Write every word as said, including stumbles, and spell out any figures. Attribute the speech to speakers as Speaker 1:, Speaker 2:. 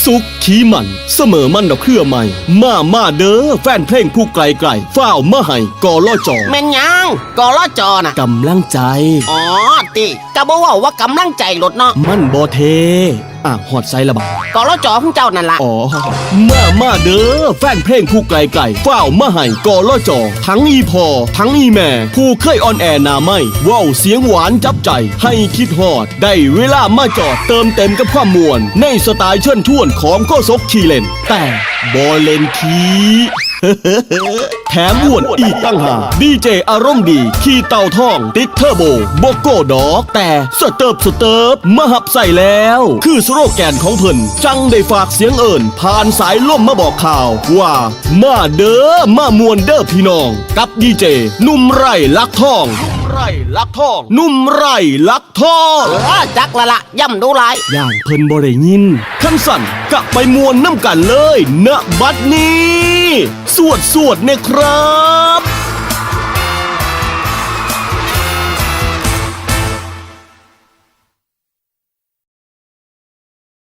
Speaker 1: สุขขี้มันเสมอมันดอกเครือใหม่มามาเด้อแฟนเพลงผู้ไกลไกลฝ้าวมาให้กอล่อจอ
Speaker 2: แม่นยังกอลอจอน่ะ
Speaker 1: กำลังใจ
Speaker 2: อ๋อติกะบ่เว้าว่ากำลังใจลดเนาะ
Speaker 1: มันบ่เทอ่ะหอดไซละบา
Speaker 2: กอลอจอของเจ้านั่นล่ะ
Speaker 1: อ๋อมามาเด้อแฟนเพลงผู้ไกลไกลฝ้าวมาให้กอล่อจอทั้งอีพอทั้งอีแม่ผู้เคยออนแอร์หนาไม่เว้าเสียงหวานจับใจให้คิดฮอดได้เวลามาจอดเติมเต็มกับความมวลในสไตล์เชิญท่วนของโกซกขี่เล่นแต่บอเล่นคีแถมอ้วนอีกตั้งหากดีเจอารมณ์ดีขี่เต่าท่องติดเทอร์โบโบโก้ดอกแต่สเติบสเติบมาหับใส่แล้ว คือสโลแกนของเพิ่นจังได้ฝากเสียงเอิญผ่านสายล่มมาบอกข่าวว่ามาเด้อมามวนเด้อพี่น้องกับดีเจนุ่มไร่ลักทองนุ่มไร่ลักทองนุ่มไร่ลักทอง
Speaker 2: เออจักละละย่ำดูหลาย
Speaker 1: ย่างเพิ่นบ่ได้ยินขั้นสั่นกะไปมวนน้ำกันเลยณบัดนี้ สวดสวดเนี่ยครับ